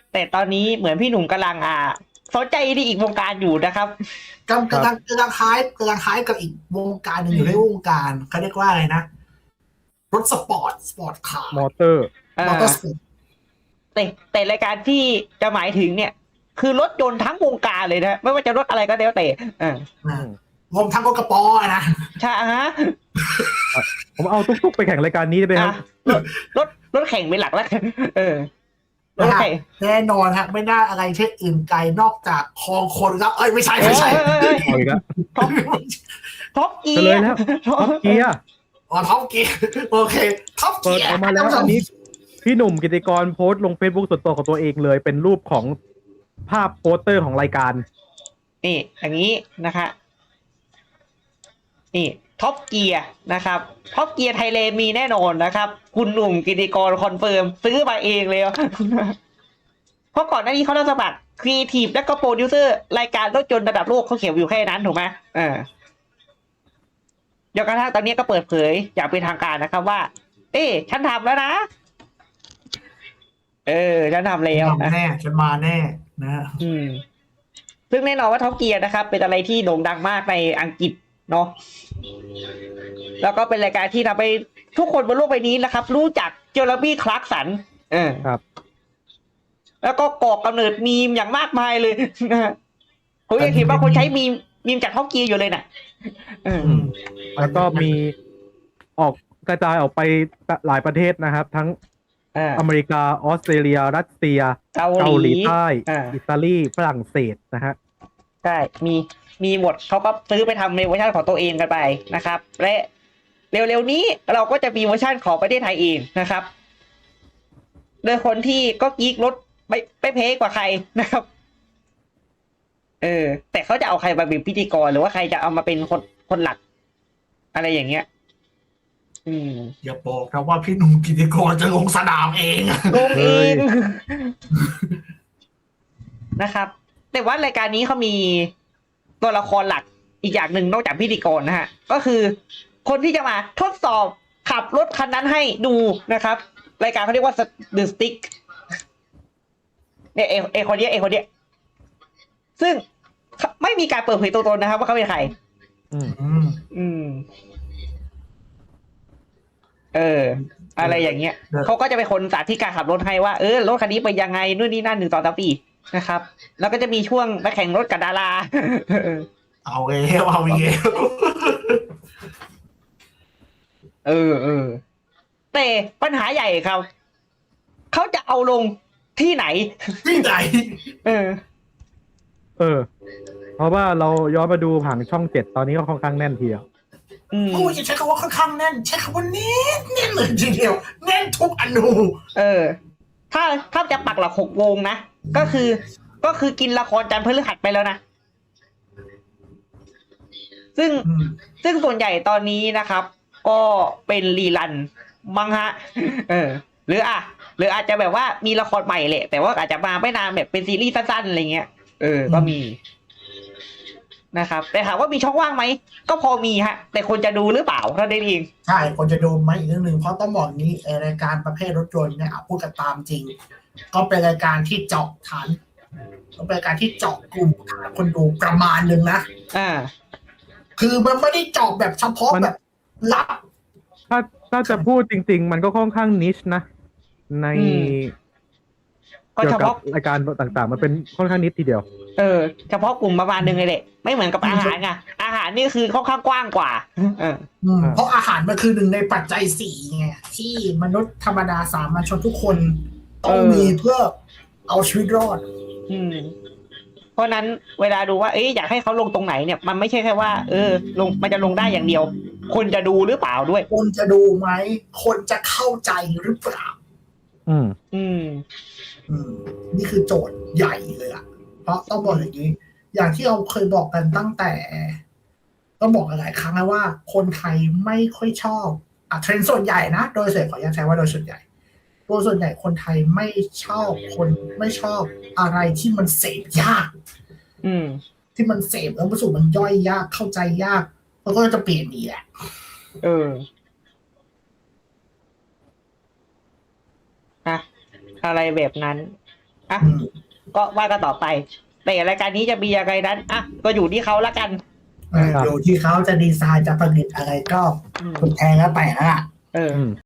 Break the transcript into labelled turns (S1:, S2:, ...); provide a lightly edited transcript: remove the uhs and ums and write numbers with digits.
S1: แต่ตอนนี้เหมือนพี่หนุ่มกำลังสนใจในอีกวงการอยู่นะครับ
S2: กำลังคล้ายกับอีกวงการหนึ่งอยู่ในวงการเขาเรียกว่าอะไรนะรถสปอร์ตคาร์
S3: มอเตอร์
S2: มอเตอร์สปอร์ต
S1: แต่รายการที่จะหมายถึงเนี่ย คือรถยนต์ทั้งวงการเลยนะไม่ว่าจะรถอะไรก็แล้วแต่
S2: รวมทั้งรถกระป๋อนะ
S1: ใช่ฮะ
S3: ผมเอาตุ๊กๆไปแข่งรายการนี้ได้ไหมครับ
S1: รถแข่งเป็นหลักแล้วกันรถแข่ง
S2: แน่นอนฮะไม่น่าอะไรเช่นอื่นไกลนอกจากคลองคนครับไม่ใช่
S3: เอาอีกแล้ว
S1: ท็อปเกี
S3: เฉล
S1: ย
S3: ย
S1: ร์
S3: แล้วท็อปเกียร์
S2: ท็อปเกียร์โอเคท็อป
S3: เปิ
S2: เกี
S3: ด
S2: ยร์
S3: ออกมาแล้วอันนี้พี่หนุ่มกิติกรโพสต์ลงเฟซบุ๊กส่วนตัวของตัวเองเลยเป็นรูปของภาพโปสเตอร์ของรายการ
S1: นี่อย่างนี้นะคะนี่ท็อปเกียร์นะครับท็อปเกียร์ไทยแลนด์มีแน่นอนนะครับคุณหนุ่มกิติกรคอนเฟิร์มซื้อมาเองเลยเพราะก่อนหน้านี้เขาต้องสมัครครีเอทีฟและก็โปรดิวเซอร์รายการรถยนต์ระดับโลกเขาเขียนอยู่แค่นั้นถูกไหมเดี๋ยวกระทั่งตอนนี้ก็เปิดเผยอย่างเป็นทางการนะครับว่าฉันทำแล้วนะฉันทำแล้ว
S2: แน่ฉันมาแน่นะ
S1: ซึ่งแน่นอนว่าท็อปเกียร์นะครับเป็นอะไรที่โด่งดังมากในอังกฤษเนาะแล้วก็เป็นรายการที่ทำให้ทุกคนบนโลกใบนี้นะครับรู้จักเจอร์บี้คลาร์กสัน
S3: ครับ
S1: แล้วก็ก่อกำเนิดมีมอย่างมากมายเลยนะผมยังเห็นว่าคนใช้มีมจากท็อปเกียร์อยู่เลยน่ะ
S3: แล้วก็มีออกกระจายออกไปหลายประเทศนะครับทั้งอเมริกาออสเตรเลียรัสเซียเกาหลีใต้อิตาลีฝรั่งเศสนะฮะ
S1: ใช่มีหมดเขาก็ซื้อไปทำในเวอร์ชันของตัวเองกันไปนะครับและเร็วๆนี้เราก็จะมีเวอร์ชันของประเทศไทยเองนะครับโดยคนที่ก็กิ๊กรถไม่เพกว่าใครนะครับแต่เขาจะเอาใครมาเป็นพิธีกรหรือว่าใครจะเอามาเป็นคนหลักอะไรอย่างเงี้ย
S2: อย่าบอกนะว่าพี่หนุ่มกิติกรจะลงสนามเอง
S1: ลงเองนะครับแต่ว่ารายการนี้เขามีตัวละครหลักอีกอย่างหนึ่งนอกจากพิธีกรนะฮะก็คือคนที่จะมาทดสอบขับรถคันนั้นให้ดูนะครับรายการเขาเรียกว่า The Stick เนี่ยเอคนเนี้ยซึ่งไม่มีการเปิดเผยตัวตนนะครับว่าเขาเป็นใครอะไรอย่างเงี้ยเขาก็จะเป็นคนสาธิตการขับรถให้ว่ารถคันนี้ไปยังไงนู่นนี่นั่น1 2 3 4นะครับแล้วก็จะมีช่วงไปแข่งรถกับดารา
S2: เอาเอง
S1: แต่ปัญหาใหญ่ครับเขาจะเอาลงที่ไหน
S3: เพราะว่าเราย้อนมาดูผังช่อง7ตอนนี้ก็ค่อนข้างแน่นทีเดียว
S2: จะใช้คำว่าค่อนข้างแน่นใช้คำว่าแน่นเลยทีเดียวแน่นทุกอนู
S1: ถ้าจะปักหลัก6 วงนะก็คือกินละครจันทร์พฤหัสไปแล้วนะซึ่งส่วนใหญ่ตอนนี้นะครับก็เป็นรีรันมั้งฮะหรืออาจจะแบบว่ามีละครใหม่แหละแต่ว่าอาจจะมาไม่นานแบบเป็นซีรีส์สั้นๆอะไรเงี้ยก็มีนะครับแต่ถามว่ามีช่องว่างไหมก็พอมีฮะแต่คนจะดูหรือเปล่าเท่านั้นเอง
S2: ใช่คนจะดูไหมอีกเรื่องหนึ่งเพราะต้องบอกนี้รายการประเภทรถยนต์เนี่ยพูดกันตามจริงก็เป็นรายการที่เจาะฐานก็เป็นรายการที่เจาะกลุ่มฐานคนดูประมาณนึงนะคือมันไม่ได้เจาะแบบเฉพาะแบบลับ
S3: ถ้าจะพูดจริงๆมันก็ค่อนข้างนิชนะในเกี่ยวกับรายการต่างๆมันเป็นค่อนข้างนิดทีเดียว
S1: เฉพาะกลุ่มประมาณนึงเลยแหละไม่เหมือนกับอาหารไงอาหารนี่คือค่อนข้างกว้างกว่า
S2: เพราะอาหารมันคือหนึ่งในปัจจัย4ไงที่มนุษย์ธรรมดาสามัญชนทุกคนต้องมีเพื่อเอาชีวิตรอด
S1: เพราะนั้นเวลาดูว่าอยากให้เขาลงตรงไหนเนี่ยมันไม่ใช่แค่ว่าลงมันจะลงได้อย่างเดียวคนจะดูหรือเปล่าด้วย
S2: คนจะดูไหมคนจะเข้าใจหรือเปล่านี่คือโจทย์ใหญ่เลยอ่ะเพราะต้องบอกอย่างนี้อย่างที่เราเคยบอกกันตั้งแต่ต้องบอกหลายครั้งแล้วว่าคนไทยไม่ค่อยชอบเทรนด์ส่วนใหญ่นะโดยขออนุญาตใช้ว่าโดยส่วนใหญ่คนไทยไม่ชอบอะไรที่มันเสพยากที่มันเสพแล้วมันมันย่อยยากเข้าใจยากมันก็จะเปลี่ยนอีกแหละ
S1: อะไรแบบนั้นอ่ะก็ว่ากันต่อไป แต่รายการนี้จะมียังไงนั้นอ่ะก็อยู่ที่เขาละกัน
S2: อยู่ที่เขาจะดีไซน์จะผลิตอะไรก็คุณแทนแล้วไปฮะ
S1: เออ